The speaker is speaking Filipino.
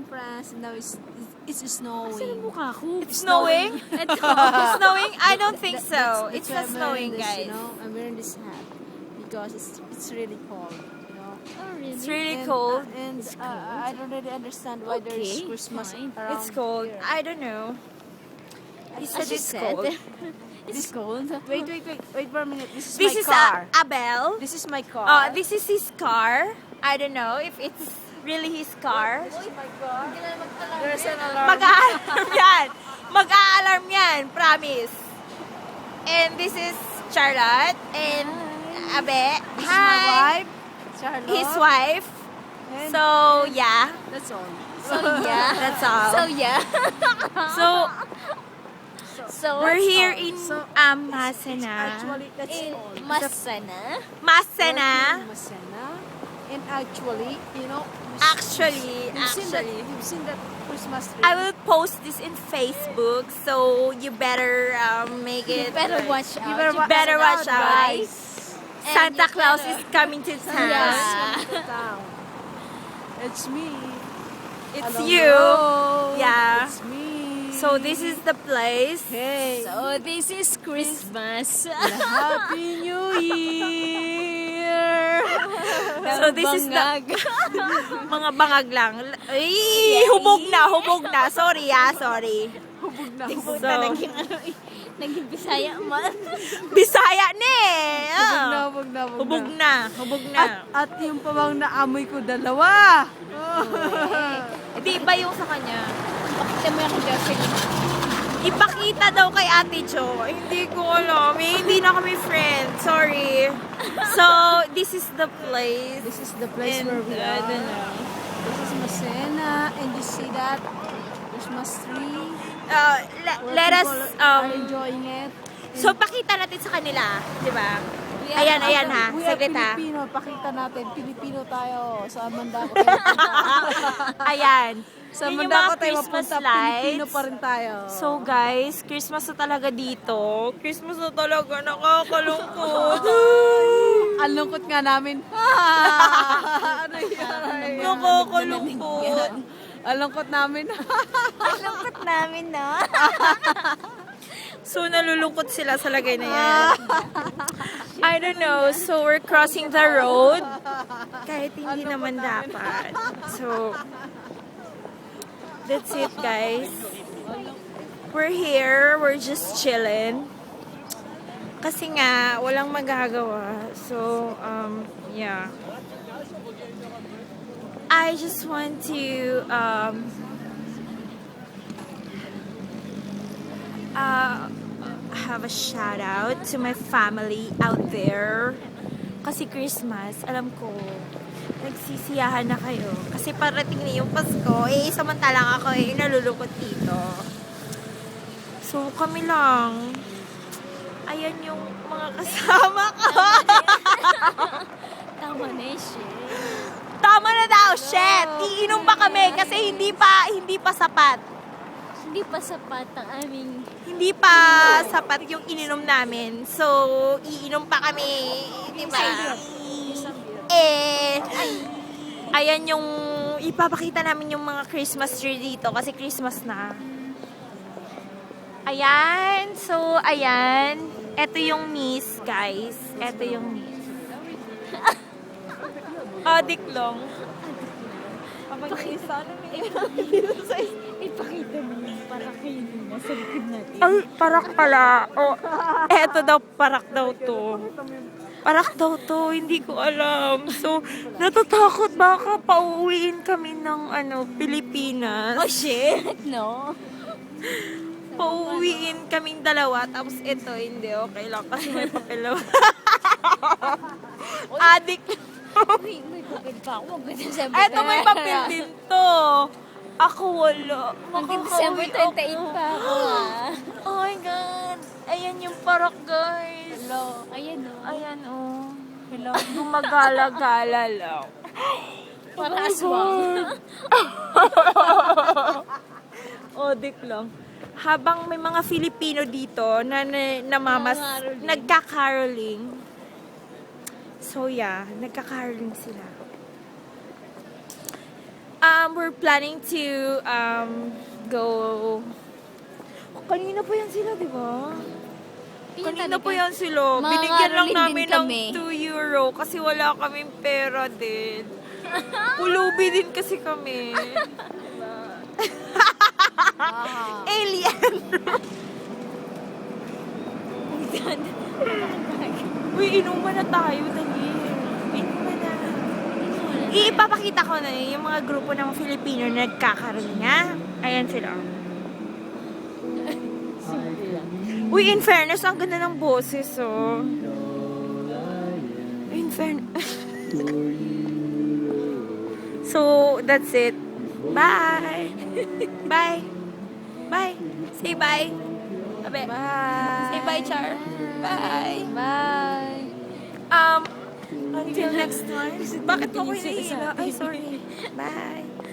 France. Now it's snowing. Saan ang mukha ko? It's snowing? It's snowing? I don't think so. It's why not I'm snowing, wearing this, guys. You know, I'm wearing this hat because it's really cold. You know. Oh, really? It's really cold. And I don't really understand why there's Okay, Christmas fine. around It's cold. here. I don't know. He said She it's said. cold. It's cold. Wait for a minute. This is This my is car. Abel. This is my car. This is his car. I don't know if it's really his car. This is my car. There's an alarm. Mag-a-alarm yan. Mag-a-alarm yan. Promise. And this is Charlotte and Abe. This is my wife, Charlotte. His wife. And So, yeah. that's all. So, yeah. That's all. So, yeah. So, So, we're what's here all? in Masena. Actually, that's In all. Masana. Masena. Masena. And actually, you know, Actually, you've seen that Christmas tree. I will post this in Facebook, so you better make it. You better watch out. You better watch out, guys. And Santa you Claus better- is coming to town. Yeah. It's me. It's Hello. you. Yeah. It's me. So this is the place. Hey. So, this is Christmas. Happy New Year. So this is the Bangag. mga bangag lang. Ay, hubog na. Sorry. Hubog na. So, Naging ano eh. Naging Bisaya man. Bisaya na eh. Ah. Hubog na. Hubog na. At yung pabang naamoy ko dalawa. Di ba yung sa kanya? Pakita mo yung Jocelyn. Ipakita daw kay Ate Jo. Hindi ko alam. Hindi na kami friends. Sorry. So, this is the place. This is the place And, where we I are. don't know. This is Masena. And you see that Christmas tree. Where Let us, people are enjoying it. so pakita natin sa kanila. Di ba? Ayan ha. We are Saglit ha. Filipino. Pakita natin. Pilipino tayo. Sa Mandako tayo punta. Ayan. Sa Yun yung Mandako mga tayo Christmas mapunta. lights. Pilipino pa rin tayo. So guys, Christmas na talaga dito. Christmas na talaga. Nakakalungkot. Ang lungkot nga namin. Ano yan? Nakakalungkot. Ang lungkot namin. Ang lungkot namin, no? So, nalulungkot sila sa lagay na yan. I don't know. So, we're crossing the road. Kahit hindi naman dapat. So, that's it, guys. We're here. We're just chilling. Kasi nga, walang magagawa. So, yeah. I just want to, have a shout out to my family out there. Kasi Christmas, alam ko, nagsisiyahan na kayo. Kasi parating na yung Pasko, samantalang ako nalulungkot dito. So, kami lang. Ayan yung mga kasama ko. Tama na eh, shit. Tama na daw, shit! Iinom pa kami kasi hindi pa sapat. Hindi pa sapat ang aming... Hindi pa sapat yung ininom namin. So, iinom pa kami. Diba? Ayan yung ipapakita namin yung mga Christmas tree dito kasi Christmas na. Ayan. So, ayan. Ito yung miss, guys. Ito yung miss. Adik lang. Ipakita mo yung parakinin mo sa likod natin. Ay, parak pala. Oh, eto daw, parak daw to. Parak daw to, hindi ko alam. So, natatakot baka pauwiin kami ng Pilipinas. Oh, shit! No? Pauwiin kaming dalawa, tapos ito, hindi, okay lang kasi may papel lang. Adik. May papel pa ako. Mag-December Eto, may papel din to. Ako wala. Mag-December 28 pa ako, ah. Oh my God. Ayan yung parak, guys. Hello. Ayan, no? Ayan, oh. Hello. Gumagala-gala lang. Parang aswang. Odik lang. Habang may mga Filipino dito na Nangangaroling. nagkakaroling. So yeah, nagkakaroling sila. we're planning to go... Kanina po yan sila, di ba? Kanina po yan sila. Mga Binigyan lang Caroline namin din ng kami. 2 euro kasi wala kaming pera din. Pulubi din kasi kami. Alien! Uy, inuman na tayo, dali. Inuman na. Ipapakita ko na yung mga grupo ng Filipino na nagkakarolinga. Ayan sila. Uy, in fairness, ang ganda ng boses, oh. In fairness. So, that's it. Bye! Bye! Bye! Say bye! Abe. Bye. Say bye, Char. Bye! Bye. Until next time. Bakit mo ko hinihila? Ay, sorry. Bye!